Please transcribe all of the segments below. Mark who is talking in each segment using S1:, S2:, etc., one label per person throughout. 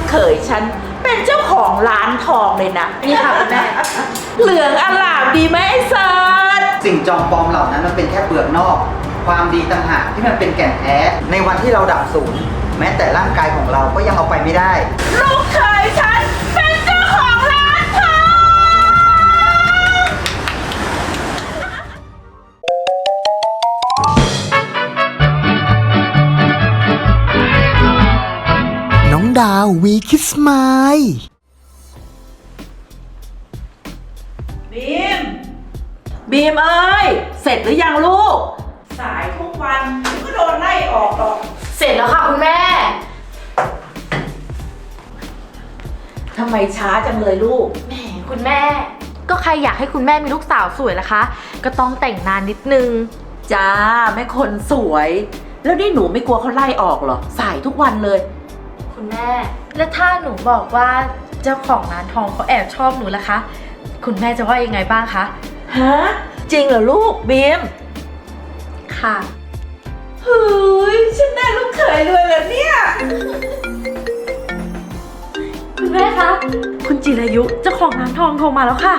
S1: เขยฉันเป็นเจ้าของร้านทองเลยนะ
S2: นี่ค่ะคุณแม่
S1: เหลืองอลามดีไหมไอ้เซิร์ช
S3: สิ่งจอมปลอมเหล่านั้นมันเป็นแค่เปลือกนอก ความดีต่างหากที่มันเป็นแก่นแท้ ในวันที่เราดับสูญแม้แต่ร่างกายของเราก็ยังเอาไปไม่ได้
S1: ลูกเขยฉันเป็นเจ้าของร้านทอง
S4: น้องดาววีคิสไมล์
S1: บีม บีมเอ้ย เสร็จหรือยังลูก สายทุกวันก็โดนไล่ออกหรอก
S2: เสร็จแล้วค่ะคุณแม่
S1: ทำไมช้าจังเลยลูก
S2: แหมคุณแม่ ก็ใครอยากให้คุณแม่มีลูกสาวสวยล่ะคะ ก็ต้องแต่งนานนิดนึง
S1: จ้าแม่คนสวย แล้วนี่หนูไม่กลัวเขาไล่ออกเหรอ สายทุกวันเลย
S2: คุณแม่ แล้วถ้าหนูบอกว่าเจ้าของร้านทองเขาแอบชอบหนูล่ะคะ คุณแม่จะว่ายังไงบ้างคะ
S1: ฮะ จริงเหรอลูกบีม
S2: ค่ะ
S1: เฮ้ยฉันได้ลูกเขยเลยเหรอเนี่ย
S2: คุณแม่คะ คุณจิรายุเจ้าของร้านทองโทรมาแล้วค่ะ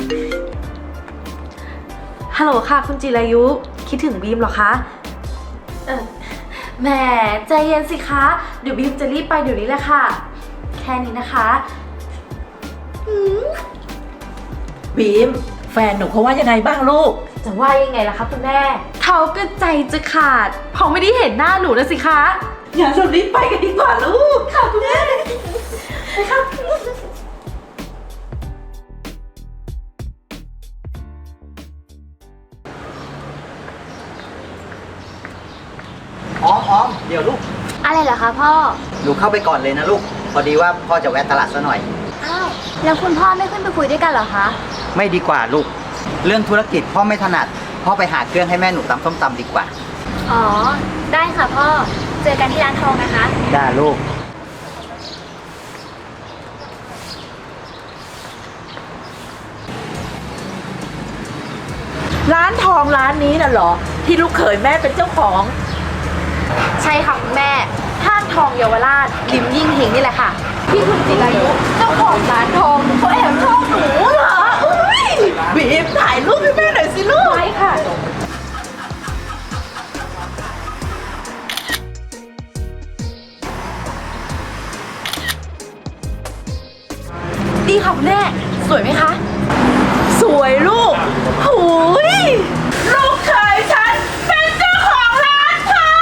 S2: ฮัลโหลค่ะ คุณจิรายุ คิดถึงบีมเหรอคะ แหมใจเย็นสิคะ เดี๋ยวบีมจะรีบไปเดี๋ยวนี้แหละค่ะ แค่นี้นะคะ
S1: บีม แฟนหนูเขาว่ายังไงบ้างลูก
S2: จะว่ายังไงล่ะคะคุณแม่ เขาก็ใจจะขาดเพราะไม่ได้เห็นหน้าหนูนะสิคะ
S1: อย่าเรารีบไปกันดีกว่าลูก
S2: ค่ะคุณแม่ไปค่ะ
S3: อ้อมเดี๋ยวลูก
S5: อะไรเหรอคะพ่อ
S3: หนูเข้าไปก่อนเลยนะลูก พอดีว่าพ่อจะแวะตลาดซะหน่อย
S5: อ้าว แล้วคุณพ่อไม่ขึ้นไปคุยด้วยกันเหรอคะ
S3: ไม่ดีกว่าลูก เรื่องธุรกิจพ่อไม่ถนัด พ่อไปหาเครื่องให้แม่หนูตำส้มตำดีกว่า
S5: อ๋อ ได้ค่ะพ่อ เจอกันที่ร้านทองนะคะ
S3: ได้ลูก
S1: ร้านทองร้านนี้น่ะเหรอ ที่ลูกเขยแม่เป็นเจ้าของ
S2: ใช่ค่ะคุณแม่ ห้างทองเยาวราชริมยิ่งเฮงนี่แหละค่ะ ที่คุณจิรายุเจ้าของร้านทองเขาแอบชอบหนู
S1: เหรออุ้ยบีมถ่ายรูปให้แม่หน่อยสิลูก
S2: ไว้ค่ะ ดีค่ะคุณแม่ สวยไหมคะ
S1: สวยลูกหูยลูกเขยฉันเป็นเจ้าของร้านทอง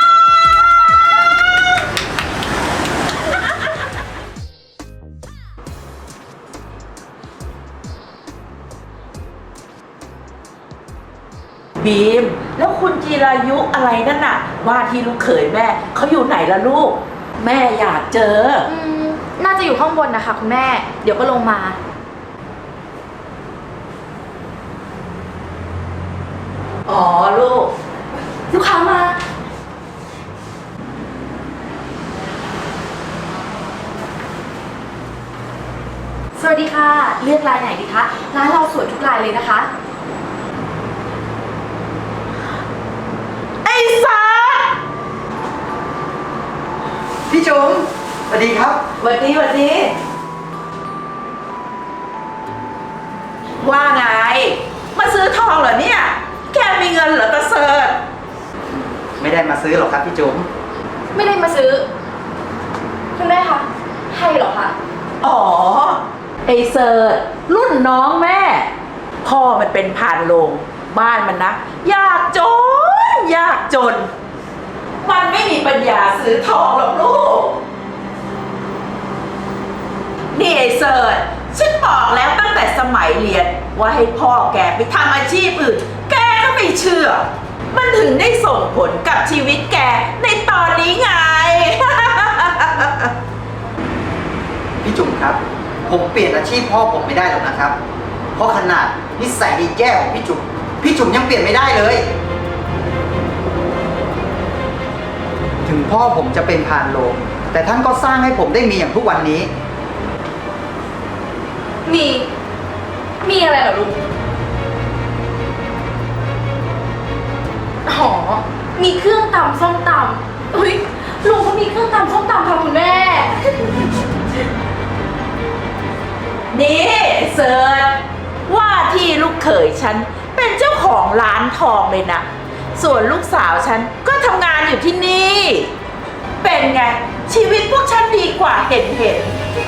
S1: บีม แล้วคุณจีรายุอะไรนั่นน่ะ ว่าที่ลูกเขยแม่เขาอยู่ไหนล่ะลูก แม่อยากเจอ
S2: น่าจะอยู่ข้างบนนะคะคุณแม่ เดี๋ยวก็ลงมา
S1: อ๋อลูก
S2: ลูกค้ามา สวัสดีค่ะ เลือกลายไหนดีคะ ร้านเราสวยทุกลายเลยนะคะ
S1: ไอ้สัส
S3: พี่จุ๋มสวัสดีครับ
S1: หวัดดีหวัดดี ว่าไง มาซื้อทองเหรอเนี่ย แกมีเงินเหรอตาเสิร์ช
S3: ไม่ได้มาซื้อหรอกครับพี่จุ๋ม
S2: ไม่ได้มาซื้อ คุณแม่คะให้เหรอคะ
S1: อ๋อ ไอ้เสิร์ชรุ่นน้องแม่ พ่อมันเป็นพานโรงบ้านมันนะ ยากจน ยากจน มันไม่มีปัญญาซื้อทองหรอกลูก นี่ไอ้เสิร์ชฉันบอกแล้วตั้งแต่สมัยเรียน ว่าให้พ่อแกไปทำอาชีพอื่น แกก็ไม่เชื่อ มันถึงได้ส่งผลกับชีวิตแกในตอนนี้ไง
S3: พี่จุ๋มครับ ผมเปลี่ยนอาชีพพ่อผมไม่ได้หรอกนะครับ เพราะขนาดนิสัยดีแย่ของพี่จุ๋มยังเปลี่ยนไม่ได้เลย ถึงพ่อผมจะเป็นพานโรงแต่ท่านก็สร้างให้ผมได้มีอย่างทุกวันนี้
S2: มีอะไรเหรอลุง อ๋อ มีเครื่องตำส้มตำอุ้ยลุงเขามีเครื่องตำส้มตำค่ะคุณแม่
S1: เขยฉันเป็นเจ้าของร้านทองเลยนะ ส่วนลูกสาวฉันก็ทำงานอยู่ที่นี่ เป็นไง ชีวิตพวกฉันดีกว่าเห็น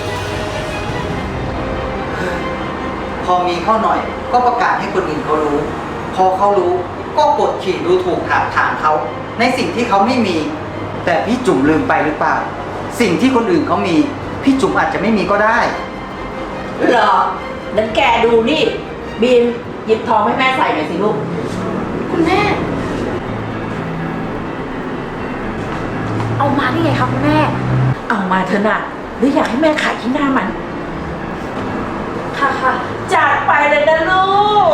S3: พอมีเข้าหน่อยก็ประกาศให้คนอื่นเขารู้ พอเขารู้ก็กดขี่ดูถูกถามเขาในสิ่งที่เขาไม่มี แต่พี่จุ๋มลืมไปหรือเปล่า สิ่งที่คนอื่นเขามี พี่จุ๋มอาจจะไม่มีก็ได้
S1: เหรอนั้นแกดูนี่ บีมหยิบทองให้แม่ใส่หน่อยสิลูก
S2: คุณแม่ เอามาได้ไงคะคุณแม่
S1: เอามาเถอะนะหรืออยากให้แม่ขายที่หน้ามัน
S2: ค่ะค่ะ
S1: จัดไปเลยนะลูก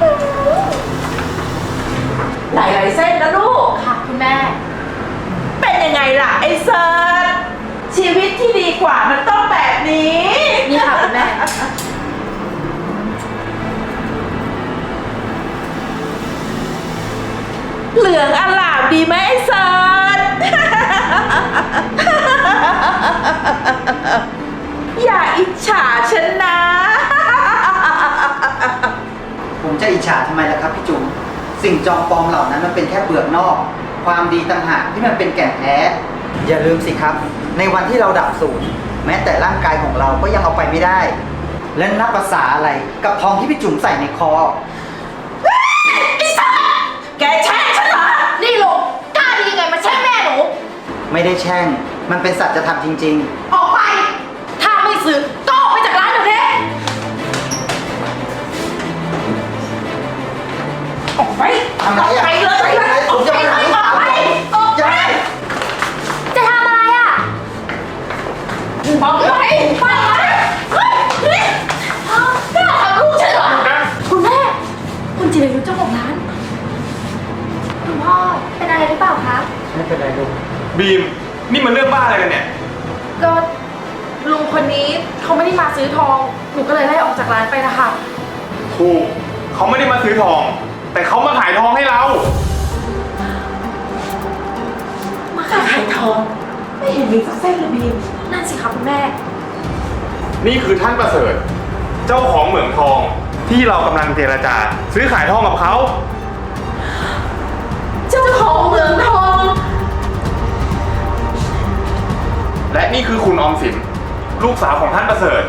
S1: หลายๆเส้นนะลูก
S2: ค่ะคุณแม่
S1: เป็นยังไงล่ะไอ้เซิร์ชชีวิตที่ดีกว่ามันต้องแบบนี้
S2: นี่ค่ะคุณแม่
S1: เหลืองอลามดีไหมไอ้เซิร์ช อย่าอิจฉาฉันนะ
S3: ผมจะอิจฉาทำไมล่ะครับพี่จุ๋มสิ่งจอมปลอมเหล่านั้นมันเป็นแค่เปลือกนอก ความดีต่างหากที่มันเป็นแก่นแท้ อย่าลืมสิครับ ในวันที่เราดับสูญแม้แต่ร่างกายของเราก็ยังเอาไปไม่ได้ และนับภาษาอะไรกับทองที่พี่จุ๋มใส่ในคอ
S1: แกแช่งฉันเหรอ
S2: นี่ลุงกล้าดียังไงมาแช่งแม่หนู
S3: ไม่ได้แช่ง มันเป็นสัจธรรมจริง
S2: ออกไป ถ้าไม่ซื้อก็ออกไปจากร้านเดี๋ยวนี้
S1: ออกไป
S3: ๆทำไรอ่ะ
S1: ไปเลยไปเลย
S3: ผมจะไปหาลูกสาว
S2: ออกไป
S3: อย่า
S5: จะทำอะไรอ่ะ
S1: บอกไปไปเฮ้ยนี่กล้าทำลูกฉันเหรอ
S2: คุณแม่ คุณจิรายุเจ้าของร้าน
S5: คุณพ่อเป็นอะไรหรือเปล่าคะ
S3: ไม่เป็นไรลูก
S6: บีม นี่มันเรื่องบ้าอะไรกันเนี่ย
S2: ก็ลุงคนนี้เขาไม่ได้มาซื้อทอง หนูก็เลยไล่ออกจากร้านไปนะคะ
S6: ถูก เขาไม่ได้มาซื้อทอง แต่เขามาขายทองให้เรา
S1: มาขายทอง ไม่เห็นมีสักเส้นเลยบีม
S2: นั่นสิคะคุณแม่
S6: นี่คือท่านประเสริฐ เจ้าของเหมืองทอง ที่เรากำลังเจรจา ซื้อขายทองกับเขา
S1: เจ้าของเหมืองทอง
S6: และนี่คือคุณออมสิน ลูกสาวของท่านประเสริฐ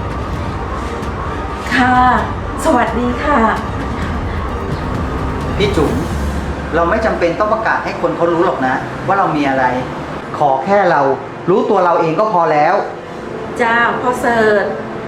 S1: ค่ะ สวัสดีค่ะ
S3: พี่จุ๋มเราไม่จำเป็นต้องประกาศให้คนเขารู้หรอกนะ ว่าเรามีอะไร ขอแค่เรารู้ตัวเราเองก็พอแล้ว
S1: จ้าพ่อเสิร์ช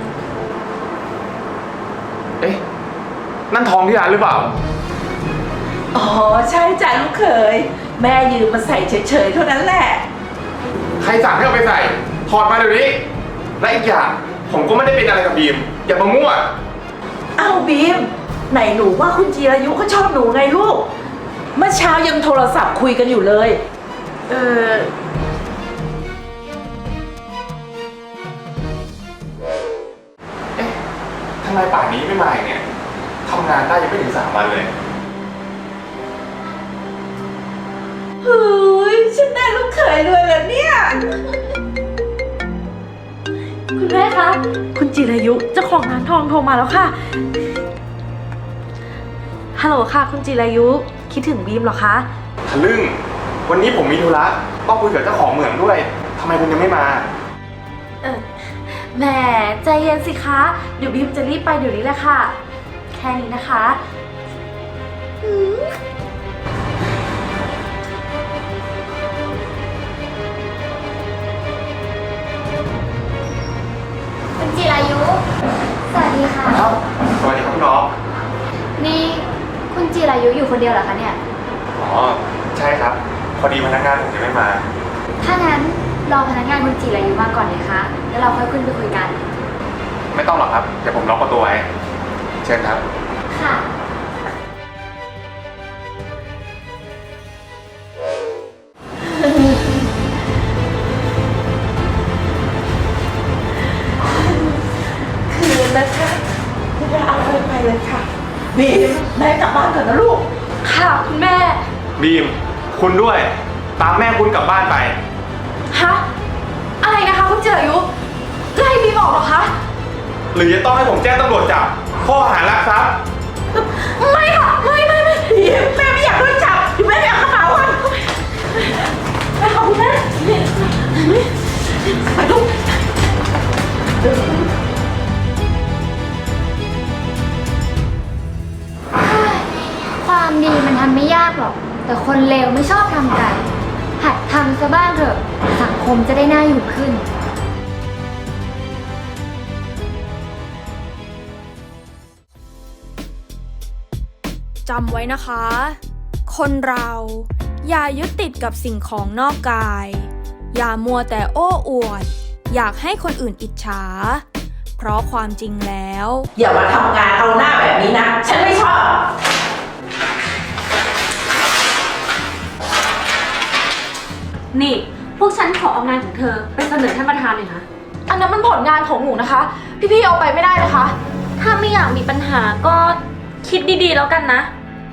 S6: เอ๊ะ นั่นทองที่ร้านหรือเปล่า
S1: อ๋อ ใช่จ้าลูกเขย แม่ยืมมาใส่เฉยๆเท่านั้นแหละ
S6: ใครสั่งให้เอาไปใส่ ถอดมาเดี๋ยวนี้ และอีกอย่าง ผมก็ไม่ได้เป็นอะไรกับบีม อย่ามามั่ว
S1: เอาบีม ไหนหนูว่าคุณจีรายุเขาชอบหนูไงลูก เมื่อเช้ายังโทรศัพท์คุยกันอยู่เลย
S2: เออ
S6: เอ๊ะทำไมป่านนี้ไม่มาอีกเนี่ยทำงานได้ยังไม่ถึง3 วันเลย
S1: เฮ้ย ฉันได้ลูกเขยรวยแล้วเนี่ย
S2: คุณแม่คะ คุณจิรายุเจ้าของร้านทองโทรมาแล้วค่ะ ฮัลโหลค่ะ คุณจิรายุ คิดถึงบีมเหรอคะ
S6: ทะลึ่ง วันนี้ผมมีธุระต้องคุยกับเจ้าของเหมืองด้วย ทำไมคุณยังไม่มา
S2: แหมใจเย็นสิคะ เดี๋ยวบีมจะรีบไปเดี๋ยวนี้แหละค่ะ แค่นี้นะคะ
S5: คุณจิรายุ สวัสดีค่ะ
S6: ครับ สวัสดีครับคุณน้อง
S5: นี่คุณจิรายุอยู่คนเดียวเหรอคะเนี่ย
S6: อ๋อ ใช่ครับ พอดีพนักงานผมยังไม่มา
S5: ถ้างั้นรอพนักงานคุณจิรายุมาก่อนเลยคะ แล้วเราค่อยขึ้นไปคุยกัน
S6: ไม่ต้องหรอกครับ เดี๋ยวผมล็อกประตูไว้ เชิญครับ
S5: ค่ะ
S1: คืนนะคะคุณแม่เอาไปเลยค่ะ บีม แม่กลับบ้านก่อนนะลูก
S2: ค่ะคุณแม่
S6: บีม คุณด้วย ตามแม่คุณกลับบ้านไป
S2: ฮะ อะไรนะคะคุณจิรายุไล่บีมออกเหรอคะ
S6: หรือจะต้องให้ผมแจ้งตำรวจจับ ข้อหารักทรัพย์
S1: แล้ว
S2: ไม่ค่ะ ไม่
S1: แม่ไม่อยากโดนจับแม่ไม่เอากระเป๋าอ่ะ
S2: ไปค่ะคุณแม่
S1: ไปลูก
S5: ความดีมันทำไม่ยากหรอก แต่คนเลวไม่ชอบทำกัน หัดทำซะบ้างเถอะ สังคมจะได้น่าอยู่ขึ้น
S7: จำไว้นะคะ คนเราอย่ายึดติดกับสิ่งของนอกกาย อย่ามัวแต่โอ้อวด อยากให้คนอื่นอิจฉา เพราะความจริงแล้ว
S1: อย่ามาทำงานเอาหน้าแบบนี้นะ ฉันไม่ชอบ
S2: นี่ พวกฉันขอเอางานของเธอไปเสนอท่านประธานหน่อยนะ อันนั้นมันผลงานของหนูนะคะ พี่ๆเอาไปไม่ได้นะคะ ถ้าไม่อยากมีปัญหาก็คิดดีๆแล้วกันนะ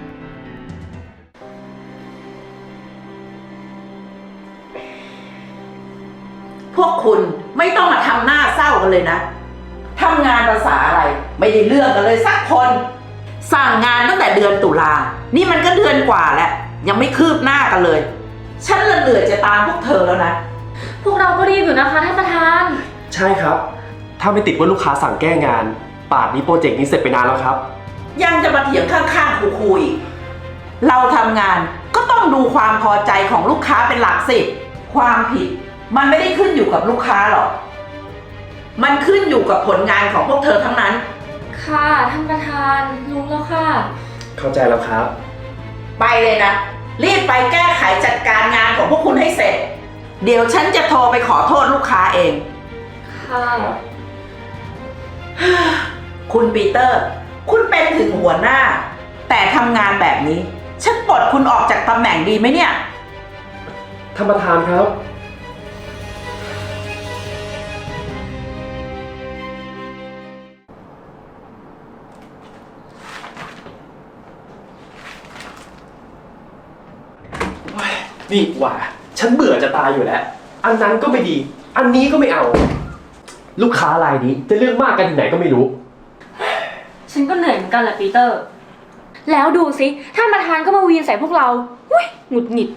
S1: พวกคุณไม่ต้องมาทำหน้าเศร้ากันเลยนะทำงานภาษาอะไร ไม่ได้เรื่องกันเลยสักคน สั่งงานตั้งแต่เดือนตุลา นี่มันก็เดือนกว่าแล้ว ยังไม่คืบหน้ากันเลย ฉันละเหนื่อยจะตามพวกเธอแล้วนะ
S2: พวกเราก็รีบอยู่นะคะท่านประธาน
S8: ใช่ครับ ถ้าไม่ติดว่าลูกค้าสั่งแก้งาน ป่านนี้โปรเจกต์นี้เสร็จไปนานแล้วครับ
S1: ยังจะมาเถียงข้างๆคูๆอีก เราทำงานก็ต้องดูความพอใจของลูกค้าเป็นหลักสิ ความผิดมันไม่ได้ขึ้นอยู่กับลูกค้าหรอก มันขึ้นอยู่กับผลงานของพวกเธอทั้งนั้น
S2: ค่ะท่านประธานรู้แล้วค่ะ
S8: เข้าใจแล้วครับ
S1: ไปเลยนะ รีบไปแก้ไขจัดการงานของพวกคุณให้เสร็จ เดี๋ยวฉันจะโทรไปขอโทษลูกค้าเอง
S2: ค่ะ
S1: คุณปีเตอร์ คุณเป็นถึงหัวหน้า แต่ทำงานแบบนี้ ฉันปลดคุณออกจากตำแหน่งดีไหมเนี่ย
S8: ท่านประธานครับ นี่หว่า ฉันเบื่อจะตายอยู่แล้ว อันนั้นก็ไม่ดี อันนี้ก็ไม่เอา ลูกค้ารายนี้จะเลือกมากกันที่ไหนก็ไม่รู้
S2: ฉันก็เหนื่อยเหมือนกันแหละปีเตอร์ แล้วดูสิท่านประธานก็มาวีนใส่พวกเราหุ้ยหงุดหงิด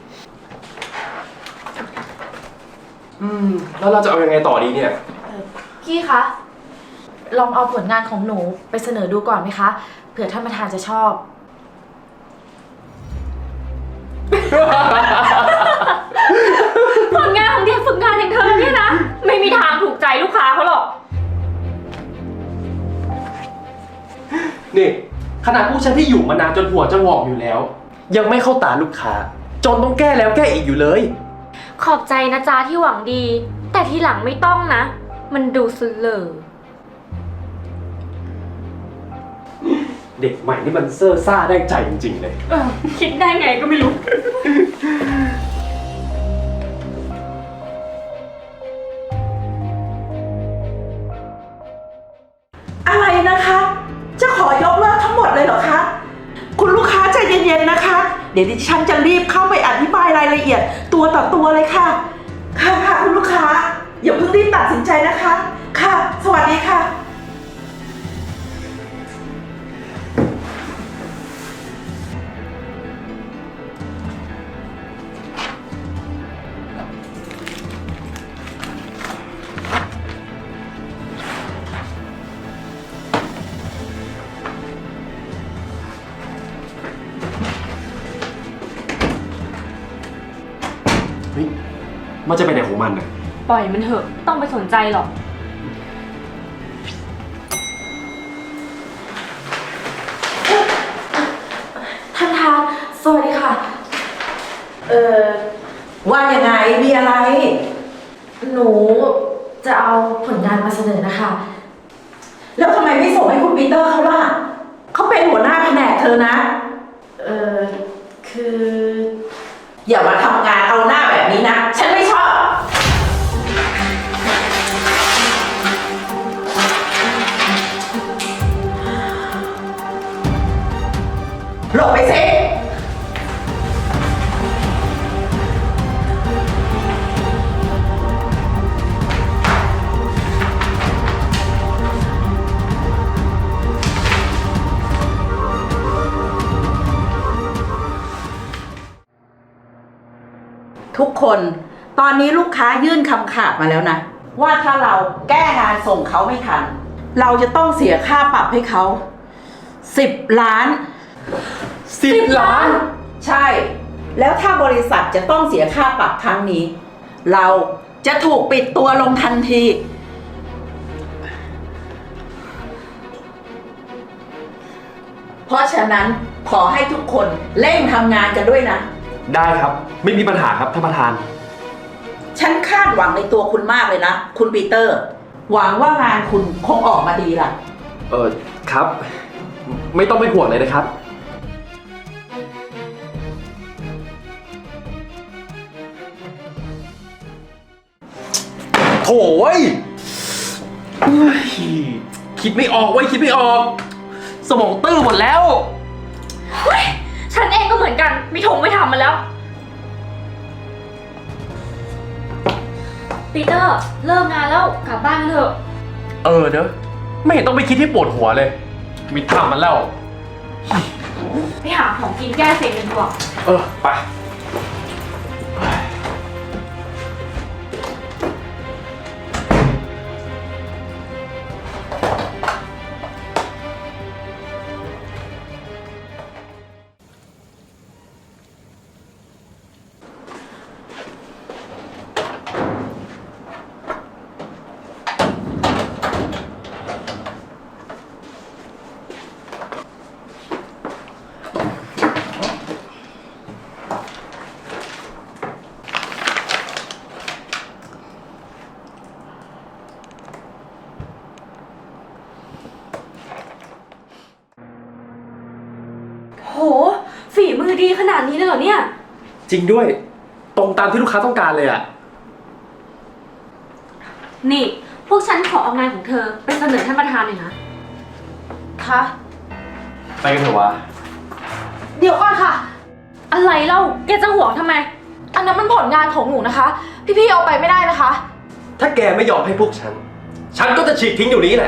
S8: แล้วเราจะเอายังไงต่อดีเนี่ย
S9: พี่คะ ลองเอาผลงานของหนูไปเสนอดูก่อนไหมคะ เผื่อท่านประธานจะชอบ
S2: ผลงานของเด็กฝึกงานอย่างเธอเนี่ยนะ ไม่มีทางถูกใจลูกค้าเขาหรอก
S8: นี่ขนาดผู้ฉันที่อยู่มานานจนหัวจะงอกอยู่แล้ว ยังไม่เข้าตาลูกค้า จนต้องแก้แล้วแก้อีกอยู่เลย
S2: ขอบใจนะจ๊ะที่หวังดี แต่ทีหลังไม่ต้องนะ มันดูซื่อเลอ
S8: เด็กใหม่นี่มันเซ่อซ่าได้ใจจริงๆเลย
S2: คิดได้ไงก็ไม่รู้
S1: อะไรนะคะ จะขอยกเลิกทั้งหมดเลยเหรอคะ คุณลูกค้าใจเย็นๆนะคะ เดี๋ยวดิฉันจะรีบเข้าไปอธิบายรายละเอียดตัวต่อตัวเลยค่ะ ค่ะคุณลูกค้า อย่าเพิ่งรีบตัดสินใจนะคะ ค่ะ สวัสดีค่ะ
S8: เฮ้ย มันจะไปไหนของมันน่ะ
S2: ปล่อยมันเถอะ ต้องไปสนใจหรอก
S9: ท่านประธานสวัสดีค่ะ
S1: ว่ายังไง มีอะไร
S9: หนูจะเอาผลงานมาเสนอนะคะ
S1: แล้วทำไมไม่ส่งให้คุณปีเตอร์เขาล่ะ เขาเป็นหัวหน้าแผนกเธอนะ
S9: คือ
S1: อย่ามาทำงานเอาหน้าแบบนี้นะ ฉันไม่ชอบ หลบไปสิทุกคนตอนนี้ลูกค้ายื่นคำขาดมาแล้วนะ ว่าถ้าเราแก้งานส่งเขาไม่ทัน เราจะต้องเสียค่าปรับให้เขา10 ล้าน
S8: 10 ล้าน
S1: ใช่ แล้วถ้าบริษัทจะต้องเสียค่าปรับครั้งนี้ เราจะถูกปิดตัวลงทันที เพราะฉะนั้นขอให้ทุกคนเร่งทำงานกันด้วยนะ
S8: ได้ครับ ไม่มีปัญหาครับท่านประธาน
S1: ฉันคาดหวังในตัวคุณมากเลยนะ คุณปีเตอร์ หวังว่างานคุณคงออกมาดีล่ะ
S8: ครับ ไม่ต้องเป็นห่วงเลยนะครับ โถ่เว้ยคิดไม่ออกเว้ยคิดไม่ออก สมองตื้อหมดแล้ว
S2: ฉันเองก็เหมือนกัน ไม่ทงไม่ทำมาแล้ว ปีเตอร์ เลิกงานแล้วกลับบ้านเถอะ
S8: เนอะไม่เห็นต้องไปคิดที่ปวดหัวเลย มีทำมันแล้ว
S2: ไปหาของกินแก้เซ็งกันดีกว่า
S8: ไป
S2: โห ฝีมือดีขนาดนี้เลยเหรอเนี่ย
S8: จริงด้วย ตรงตามที่ลูกค้าต้องการเลยอะ
S2: นี่ พวกฉันขอเอางานของเธอไปเสนอท่านประธานหน่อยนะ
S9: คะ
S8: ไปกันเถอะวะ
S9: เดี๋ยวก่อนค่ะ
S2: อะไรเล่า แกจะห่วงทำไม
S9: อันนั้นมันผลงานของหนูนะคะ พี่ๆเอาไปไม่ได้นะคะ
S8: ถ้าแกไม่ยอมให้พวกฉัน ฉันก็จะฉีกทิ้งอยู่นี้แหละ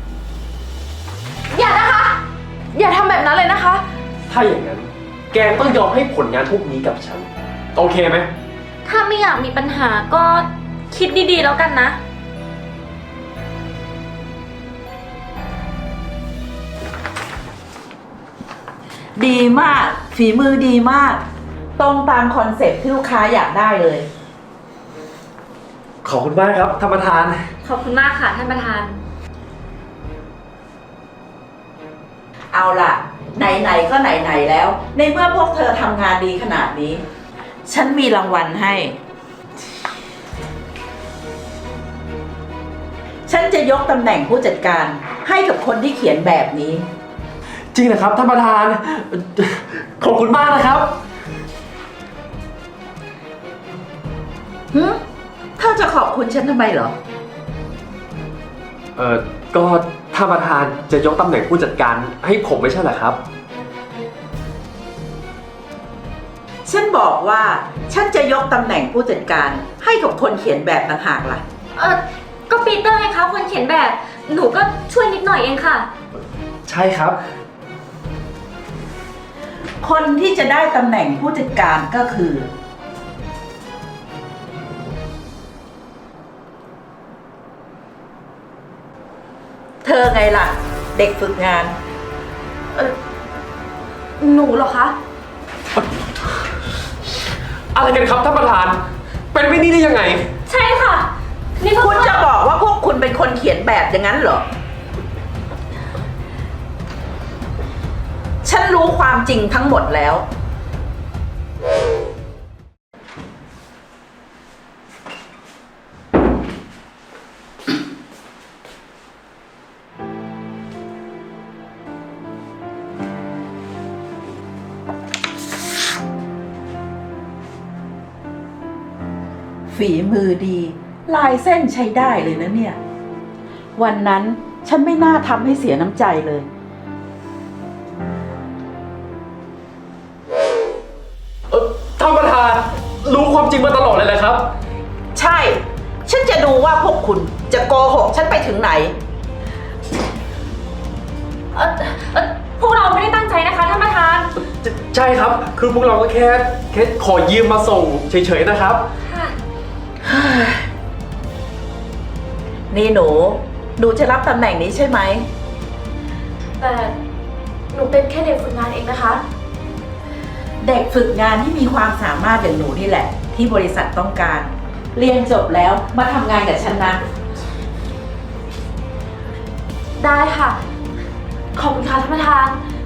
S9: อย่านะคะ อย่าทำแบบนั้นเลยนะคะ
S8: ถ้าอย่างนั้น แกต้องยอมให้ผลงานพวกนี้กับฉัน โอเคไหม
S2: ถ้าไม่อยากมีปัญหาก็คิดดีๆแล้วกันนะ
S1: ดีมาก ฝีมือดีมาก ตรงตามคอนเซ็ปต์ที่ลูกค้าอยากได้เลย
S8: ขอบคุณมากครับท่านประธาน
S2: ขอบคุณมากค่ะท่านประธาน
S1: เอาล่ะ ไหนๆก็ไหนๆแล้ว ในเมื่อพวกเธอทำงานดีขนาดนี้ ฉันมีรางวัลให้ ฉันจะยกตำแหน่งผู้จัดการให้กับคนที่เขียนแบบนี้
S8: จริงนะครับท่านประธาน ขอบคุณมากนะครับ
S1: เธอจะขอบคุณฉันทำไมเหรอ
S8: ก็ท่านประธานจะยกตำแหน่งผู้จัดการให้ผมไม่ใช่เหรอครับ
S1: ฉันบอกว่าฉันจะยกตำแหน่งผู้จัดการให้กับคนเขียนแบบต่างหากล่ะ
S2: ก็ปีเตอร์ไงคะคนเขียนแบบ หนูก็ช่วยนิดหน่อยเองค่ะ
S8: ใช่ครับ
S1: คนที่จะได้ตำแหน่งผู้จัดการก็คือ เธอไงล่ะ เด็กฝึกงาน
S9: หนูเหรอคะ
S8: อะไรกันครับท่านประธาน เป็นไม่นี่ได้ยังไง
S2: ใช่ค่ะ นี่ก็
S1: คุณจะบอกว่าพวกคุณเป็นคนเขียนแบบอย่างนั้นเหรอ ฉันรู้ความจริงทั้งหมดแล้ว ฝีมือดี ลายเส้นใช้ได้เลยนะเนี่ย วันนั้นฉันไม่น่าทำให้เสียน้ำใจเลย
S8: ท่านประธานรู้ความจริงมาตลอดเลยแหละครับ
S1: ใช่ ฉันจะดูว่าพวกคุณจะโกหกฉันไปถึงไหน
S2: พวกเราไม่ได้ตั้งใจนะคะท่านประธาน
S8: ใช่ครับ คือพวกเราก็แค่ขอยืมมาส่งเฉยๆนะครับ
S1: นี่หนูจะรับตำแหน่งนี้ใช่ไหม
S9: แต่หนูเป็นแค่เด็กฝึกงานเองนะคะ
S1: เด็กฝึกงานที่มีความสามารถอย่างหนูนี่แหละ ที่บริษัทต้องการ เรียนจบแล้วมาทำงานกับฉันนะ
S9: ได้ค่ะ ขอบคุณค่ะท่านประธาน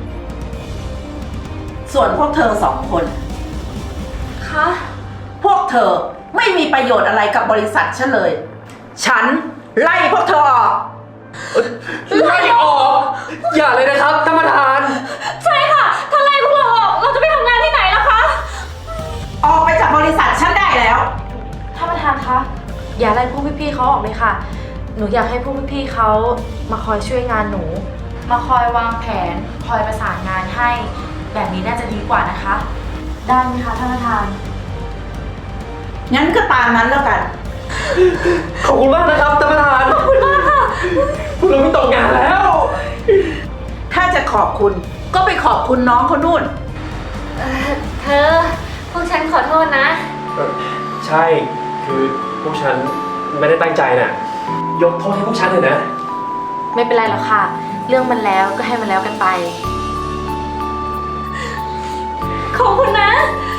S1: ส่วนพวกเธอสองคน
S9: คะ
S1: พวกเธอไม่มีประโยชน์อะไรกับบริษัทฉันเลย ฉันไล่พวกเธอออก
S8: ไล่ออก อย่าเลยนะครับท่านประธาน
S2: ใช่ค่ะ ถ้าไล่พวกเราออก เราจะไปทำงานที่ไหนล่ะคะ
S1: ออกไปจากบริษัทฉันได้แล้ว
S9: ท่านประธานคะ อย่าไล่พวกพี่ๆเขาออกเลยค่ะ หนูอยากให้พวกพี่ๆเขามาคอยช่วยงานหนู มาคอยวางแผน คอยประสานงานให้ แบบนี้น่าจะดีกว่านะคะ ได้ไหมคะท่านประธาน
S1: งั้นก็ตามนั้นแล้วกัน
S8: ขอบคุณมากนะครับท่านประธาน ขอบคุณมากค่ะ พวกเราไม่ตกงานแล้ว
S1: ถ้าจะขอบคุณก็ไปขอบคุณน้องเขานู่น
S2: เธอ พวกฉันขอโทษนะ
S8: ใช่ คือพวกฉันไม่ได้ตั้งใจน่ะ ยกโทษให้พวกฉันเลยนะ
S9: ไม่เป็นไรหรอกค่ะ เรื่องมันแล้วก็ให้มันแล้วกันไป
S2: ขอบคุณนะ ข